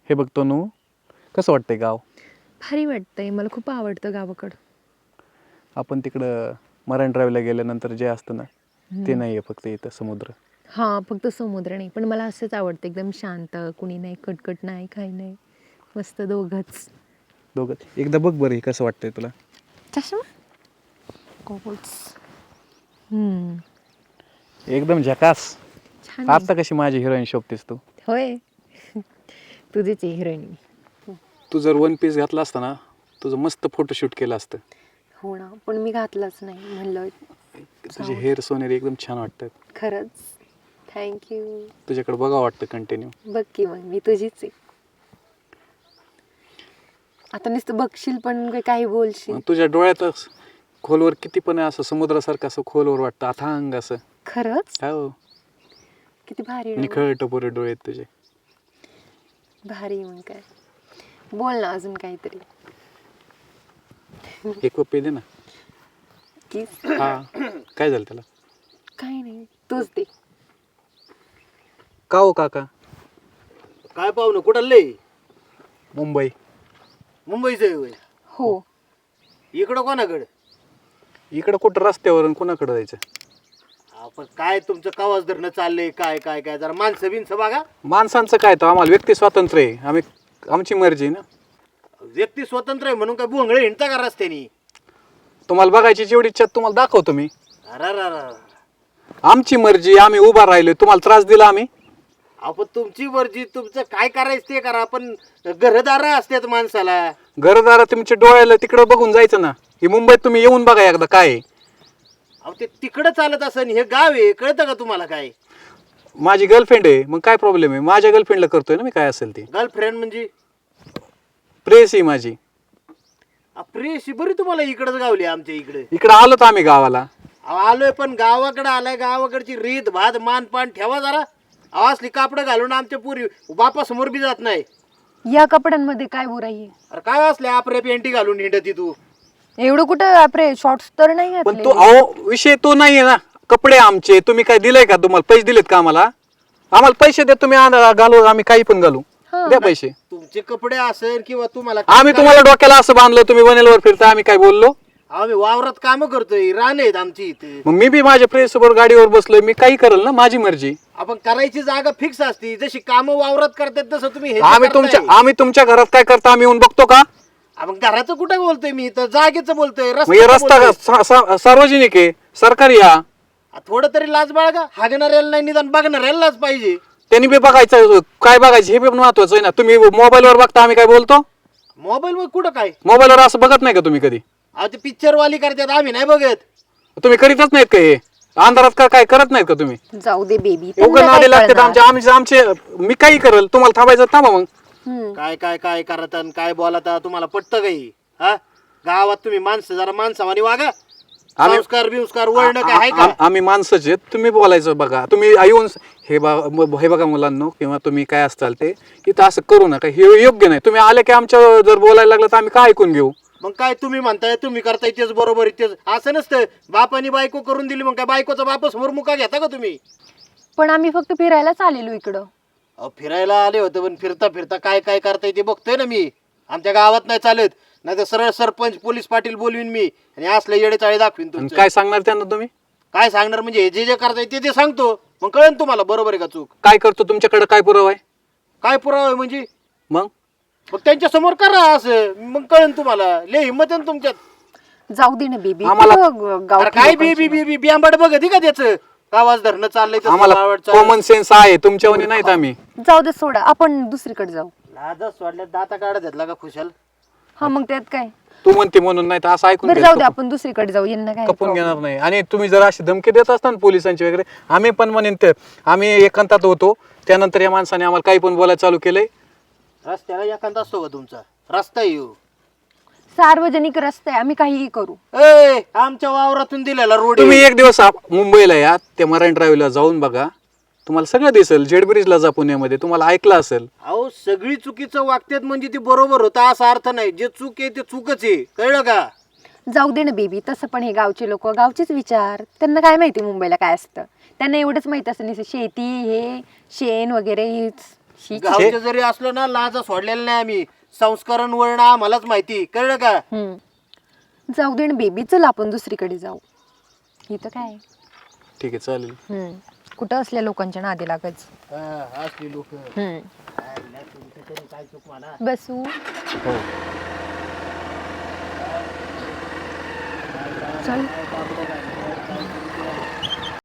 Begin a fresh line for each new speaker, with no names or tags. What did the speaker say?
हे बघ तनू, कसं वाटतंय गाव?
भारी वाटतंय, मला खूप आवडतं गावाकडं.
आपण तिकडं मरायन ड्राईव्हला गेल्यानंतर जे असतं ना, ते नाही आहे फक्त इथं समुद्र.
हां, फक्त समुद्र नाही, पण मला असंच आवडतं एकदम शांत, कुणी नाही, कटकट नाही, काही नाही. मस्त दोघंच.
दोघं एकदा बघ बरं, हे कसं वाटतंय तुला?
चष्मा? गॉगल्स.
एकदम झकास.
छान आहे.
आता कशी माझी हिरोईन शोभतेस तू.
होय. तुझीच आहे हिरोईन.
तू जर वन पीस घातला असता ना, तुझं मस्त फोटोशूट केलं असतं.
हो ना, पण मी घातलंच नाही, म्हणलं
तुझे हेअर सोनेरी एकदम छान वाटतात.
खरंच. थँक्यू.
तुझ्याकडे बघा वाटतं कंटिन्यू.
बघ की मग, मी तुझीच आहे. आता नुसतं बघशील पण काही बोलशील.
तुझ्या डोळ्यातच खोलवर किती पण आहे, असं समुद्रासारखं असं खोलवर वाटतं, अथांग असं.
खरंच?
हो,
किती भारी डोळे.
निखळ टपोरे डोळे आहेत तुझे.
भारी मग काय. बोल ना अजून काहीतरी.
एक पप्पी दे ना.
की
हा, काय झालं त्याला?
काही नाही, तूच दे.
का हो काका?
काय पाहुणं कुठं लय?
मुंबई.
मुंबईचं होय.
हो.
इकडं कोणाकडं?
इकडं कुठं रस्त्यावरून कोणाकडे जायचं?
आपण काय तुमचं कावाज धरणं चाललंय, काय काय काय जरा माणसं बिनसं बघा.
माणसांचं काय, तर आम्हाला व्यक्ती स्वातंत्र्य आहे, आम्ही आमची मर्जी आहे ना.
व्यक्ती स्वतंत्र आहे म्हणून काय भोंगळे हिंडता का रस्त्यानी?
तुम्हाला बघायची जेवढी इच्छा तुम्हाला दाखवतो मी.
अरा
आमची मर्जी, आम्ही उभा राहिलो, तुम्हाला त्रास दिला आम्ही?
आपण तुमची मर्जी, तुमचं काय करायचं ते करा, पण घरदार असतात माणसाला.
घरदारा तुमच्या डोळ्याला तिकडं बघून जायचं ना. ही मुंबईत तुम्ही येऊन बघा एकदा काय आहे.
अहो ते तिकडं चालत असन, हे गाव आहे, कळतं का तुम्हाला काय?
माझी गर्लफ्रेंड आहे, मग काय प्रॉब्लेम आहे? माझ्या गर्लफ्रेंडला करतोय ना मी काय असेल ते.
गर्लफ्रेंड म्हणजे
प्रेस आहे माझी.
प्रेशी बरी तुम्हाला इकडंच गावली आमच्या इकडे.
इकडं आलोत आम्ही गावाला.
आलोय पण गावाकडे आलाय, गावाकडची रीत भात मानपान ठेवा जरा. अहो, असली कापडं घालून आमच्या पुरी बापासमोर बी जात नाही.
या कपड्यांमध्ये काय बुराई आहे?
अरे काय असले आपल्या पेंटी घालून हिंडती तू?
एवढं कुठं आपले शॉर्ट्स तर नाही
पण
घातले.
तो अहो विषय तो नाहीये ना. कपडे आमचे, तुम्ही काय दिलंय का? तुम्हाला पैसे दिलेत का आम्हाला? आम्हाला पैसे द्या, तुम्ही घालू, आम्ही काही पण घालू. द्या पैसे.
तुमचे कपडे असेल किंवा तुम्हाला
आम्ही तुम्हाला डोक्याला असं बांधलं, तुम्ही वनेलवर फिरता, आम्ही काय बोललो?
आम्ही वावरात काम करतोय, रान आहेत आमची इथे.
मग मी बी माझ्या प्रेस सोबत गाडीवर बसलोय, मी काही करेल ना, माझी मर्जी.
आपण करायची जागा फिक्स असती, जशी काम वावरात करतात तसं तुम्ही हे
आम्ही तुमच्या घरात काय करता आम्ही येऊन बघतो का?
आपण घराचं कुठं बोलतोय, मी तर जागेचं बोलतोय.
मग हे रस्ता सार्वजनिक आहे, सरकारी या.
थोडं तरी लाज बाळगा. हागणाऱ्याला नाही, निदान बघणाऱ्याला लाज पाहिजे.
त्यांनी बी बघायचं, काय बघायचं हे बी महत्वाचं आहे ना. तुम्ही मोबाईलवर बघता, आम्ही काय बोलतो?
मोबाईल वर कुठं काय?
मोबाईलवर असं बघत नाही का तुम्ही कधी?
अहो ते पिक्चर वाली करतात, आम्ही नाही बघत.
तुम्ही करीतच नाहीत का हे? अंधारात का काय करत नाहीत का तुम्ही?
जाऊ दे बेबी.
उघड नादी लागतात आमचे. मी काही करेल, तुम्हाला थांबायचं थांबा मग.
काय काय काय करत आणि काय बोलता, तुम्हाला पटतं काही? हा, गावात तुम्ही माणसं जरा माणसावानी वागा. संस्कार बिंस्कार वळणं काय आहे का?
आम्ही माणसंच आहेत, तुम्ही बोलायचं बघा. तुम्ही येऊन हे बघा मुलांनो, किंवा तुम्ही काय असताल ते इथं असं करू नका, हे योग्य नाही. तुम्ही आले की आमच्या जर बोलायला लागलं तर आम्ही काय ऐकून घेऊ?
मग काय तुम्ही म्हणताय, तुम्ही करताय तेच बरोबर आहे, तेच असं नसतं. बापानी बायको करून दिली, मग काय बायकोचा बाप समोर मुका घेता का तुम्ही?
पण आम्ही फक्त फिरायलाच आलेलो इकडं.
अहो फिरायला आले होते, पण फिरता फिरता काय काय करताय ते बघतोय ना मी. आमच्या गावात नाही चालत, नाही तर सरळ सरपंच पोलीस पाटील बोलवीन मी आणि असले येडे चाळे दाखवीन
आणि
तुमचं.
काय सांगणार त्यांना तुम्ही?
काय सांगणार म्हणजे जे जे करताय ते ते सांगतो, मग कळेल तुम्हाला बरोबर आहे का चूक.
काय करतो? तुमच्याकडे काय पुरावा आहे?
काय पुरावा आहे म्हणजे?
मग
त्यांच्या समोर करा असं, मग कळेल तुम्हाला. लय हिंमत आहे ना तुमच्यात.
जाऊ दे ना बेबी.
अरे काय बी बी बी बियांबड बघत का त्याचं? आवाज धरणं चाललंय तसं
आम्हाला
वावड चाललंय.
कॉमन सेन्स आहे, तुमच्यावानी नाहीत आम्ही.
जाऊ दे, सोडा, आपण दुसरीकडे जाऊ.
लाजच सोडल्या, दाता काढत घेतला का खुशाल?
हा मग त्यात काय.
तू म्हणते म्हणून नाही तर असं ऐकून
बरं
घ्यायचं.
जाऊ दे, आपण दुसरीकडे जाऊ. यांना काय
कपून
problem.
घेणार नाही. आणि तुम्ही जर अशी धमकी देत असता ना पोलिसांची वगैरे, आम्ही पण म्हणेन ते आम्ही एकांतात होतो, त्यानंतर या माणसाने आम्हाला काही पण बोलायला चालू केलंय.
रस्त्याला एखादा असतो का तुमचा? रस्ता येऊ
सार्वजनिक रस्ते आहे, आम्ही काहीही करू.
आमच्या वावरातून दिलेला रोड.
तुम्ही एक दिवस मुंबईला या, त्या मरायन ड्राईव्हला जाऊन बघा, तुम्हाला सगळं दिसेल. जेड ब्रिजला जा पुण्यामध्ये, तुम्हाला ऐकलं असेल.
अहो सगळी चुकीचं वागतात म्हणजे ती बरोबर होता असा अर्थ नाही. जे चूक आहे ते चूकच आहे, कळलं का?
जाऊ दे ना बेबी. तसं पण हे गावचे लोक, गावचेच विचार. त्यांना काय माहिती मुंबईला काय असतं? त्यांना एवढंच माहित असतं, शेती, हे शेण वगैरे हेच. शी.
गावचे जरी असलो ना लाजा सोडलेला नाही आम्ही. संस्करण वळणं आम्हालाच माहिती, कळलं का?
जाऊ दे बेबी, चल आपण दुसरीकडे जाऊ. इथं काय
ठीक आहे चालेल.
कुठं असल्या लोकांच्या नादी लागायचं.
असली लोक काय चूक म्हणा.
बसू.
हो
चल.